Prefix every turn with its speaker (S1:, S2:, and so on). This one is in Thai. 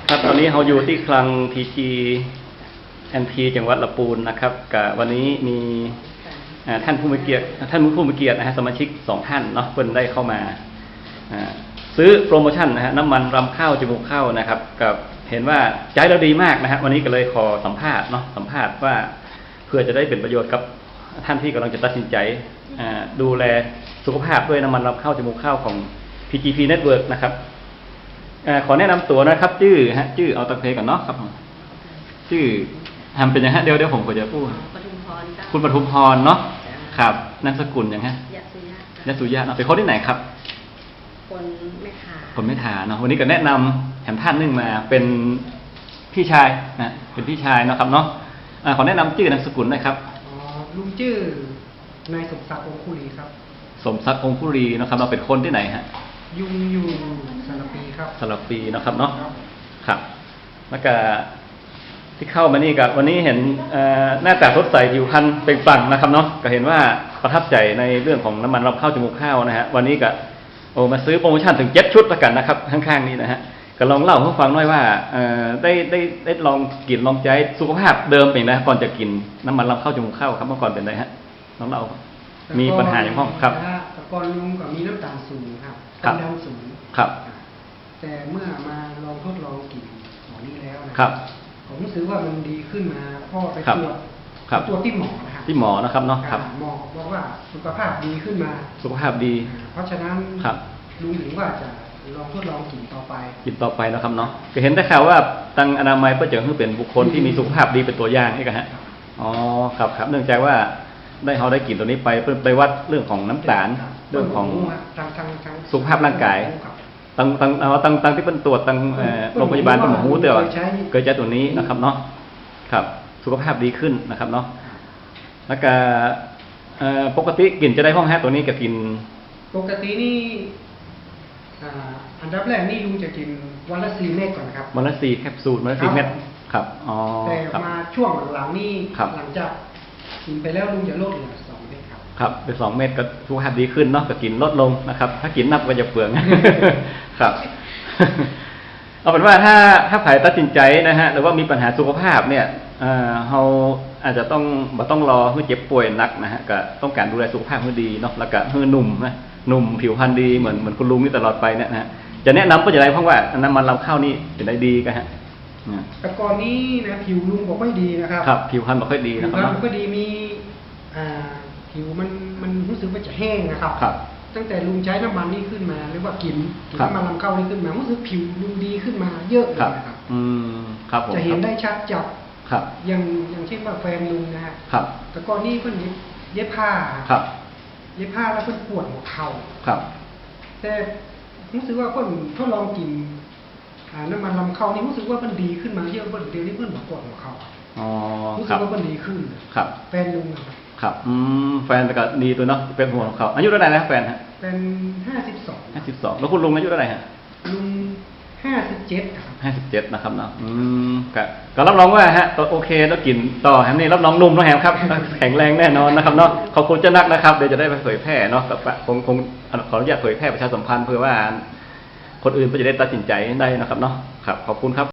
S1: ครับตอนนี้เราอยู่ที่คลัง TGNP จังหวัดลำพูนนะครับกับวันนี้มีท่านผู้มีเกียรตินะฮะสมาชิก2ท่านเนาะเพิ่นได้เข้ามาซื้อโปรโมชั่นนะฮะน้ำมันรำข้าวจมูกข้าวนะครับกับเห็นว่าใจเราดีมากนะฮะวันนี้ก็เลยขอสัมภาษณ์ว่าเพื่อจะได้เป็นประโยชน์กับท่านที่กำลังจะตัดสินใจดูแลสุขภาพด้วยน้ำมันรำข้าวจมูกข้าวของ PGP Network นะครับขอแนะนำตัวนะครับชื่อเอาตะเพก่อนเนาะครับชื่อทำเป็นยังฮะเดี๋ยวผมก็จะพูดคุณปทุมพรเนาะครับนามสกุลยังฮะยสุยะเนาะเป็นคนที่ไหนครับคนไม่ถาเนาะวันนี้ก็แนะนำแถมท่านนึงมาเป็นพี่ชายนะเป็นพี่ชายเนาะครับเนาะขอแนะนำชื่อนามสกุลหน่อยครับ
S2: ลุงชื่อนายสมศักดิ์องคุรีครับ
S1: สมศักดิ์องคุรีนะครับเราเป็นคนที่ไหนฮะ
S2: อยู่สระปีครับ
S1: สระปีนะครับเนาะครับแล้วก็ที่เข้ามานี่กับวันนี้เห็นหน้าตาสดใสผิวพรรณเปล่งปลั่งนะครับเนาะก็เห็นว่าประทับใจในเรื่องของน้ำมันรำข้าวจมูกข้าวนะฮะวันนี้ก็มาซื้อโปรโมชั่นถึง7 ชุดแล้วกันนะครับข้างๆนี้นะฮะก็ลองเล่าให้ฟังหน่อยว่าได้ลองกินลองใจสุขภาพเดิมเป็นนะก่อนจะกินน้ำมันรำข้าวจมูกข้าวครับเมื่อก่อนเป็นไงฮะลองเล่ามีปัญหาอย่างพ้องครับ
S2: แต่ก่อนลุงก็มีน้ำตาลสูงครับความดันสูง
S1: ครับ
S2: แต่เมื่อมาลองทดลองกินหมอนี้แล้วนะครับผมรู้สึกว่ามันดีขึ้นมาพ่อไปตรวจที่หมอนะครับ
S1: ที่หมอนะครับเนาะครับ
S2: หมอบอกว่าสุขภาพดีขึ้นมา
S1: สุขภาพดี
S2: เพราะฉะนั้นลุงถึงว่าจะลองทดลองกินต่อไป
S1: นะครับเนาะก็เห็นได้ข่าวว่าทางอนามัยก็จะให้เป็นบุคคลที่มีสุขภาพดีเป็นตัวอย่างใช่ไหมฮะอ๋อครับเนื่องจากว่าเขาได้กินตัวนี้ไปวัดเรื่องของน้ำตาลเรื่องของสุขภาพร่างกายตั้งที่เป็นตรวจตั้งโรงพยาบาลเป็นหมอหูเตือนเกิดจากตัวนี้นะครับเนาะครับสุขภาพดีขึ้นนะครับเนาะแล้วก็ปกติกินจะได้ห้องแฮตัวนี้ก็กิน
S2: ปกตินี่อันดับแรกนี่ลุงจะกินวันละ4 เม็ดก่อนครับ
S1: วันละ4 แคปซูลวันละ4 เม็ดครับอ๋อ
S2: แต่มาช่วงหลังนี่หลังจากกินไปแล้วลุงจะลดเหลือ2 เม็ด
S1: ครับเป็น2 เม็ดก็สุขภาพดีขึ้นเนาะก็กินลดลงนะครับถ้ากินนับก็จะเปลืองครับเอาเป็นว่าถ้าใครตัดสินใจนะฮะหรือว่ามีปัญหาสุขภาพเนี่ยเราอาจจะต้องรอให้เจ็บป่วยนักนะฮะก็ต้องการดูแลสุขภาพให้ดีเนาะแล้วก็ให้หนุ่มผิวพรรณดีเหมือนคุณลุงนี่ตลอดไปเนี่ยนะฮะจะแนะนำก็จะได้เพราะว่าน้ำมันรำข้าวนี่เป็นได้ดีกันฮะ
S2: แต่ก่อนนี้นะผิวลุงบอกไม่ดีนะครับ
S1: ครับผิวพรรณบอกไม่ดีนะครับ
S2: ผิวพรรณก็ดีมีผิวมันรู้สึกว่าจะแห้งนะครับตั้งแต่ลุงใช้น้ำมันนี่ขึ้นมาหรือว่ากินน้ำมันรำข้าวนี่ขึ้นมารู้สึกผิวลุงดีขึ้นมาเยอะเลยนะครับ
S1: ครับ
S2: จะเห็นได้ชัดจาก
S1: ครับ
S2: อย่างเช่นว่าแฟนลุงนะฮะแต่ก่อนนี้เพิ่นเย็บผ้าแล้วเพิ่นปวดหัวเข่าแต่รู้สึกว่าเพิ่นทดลองกินน้ำมันรำข้าวนี่รู้สึกว่ามันดีขึ้นมาเยอะเดี๋ยวนี้เพิ่นปวดหัวเข่ารู้สึกว่ามันดีขึ้นแฟนลุง
S1: ครับแฟนก็ดีตัวเนาะเป็นหัวของเขาอายุเท่าไหร่แล้วแฟนฮะ
S2: เป็น52
S1: แล้วคุณลุงอายุเท่าไหร่ฮะ
S2: ลุง57ครับ
S1: 57นะครับเนาะก็รับรองว่าฮะโอเคแล้วกินต่อแฮมนี่รับรองนุ่มแล้วแฮมครับแข็งแรงแน่นอนนะครับเนาะขอบคุณเจ้านักนะครับเดี๋ยวจะได้ไปเผยแพร่เนาะคงขออนุญาตเผยแพร่ประชาสัมพันธ์เพื่อว่าคนอื่นก็จะได้ตัดสินใจได้นะครับเนาะครับขอบคุณครับ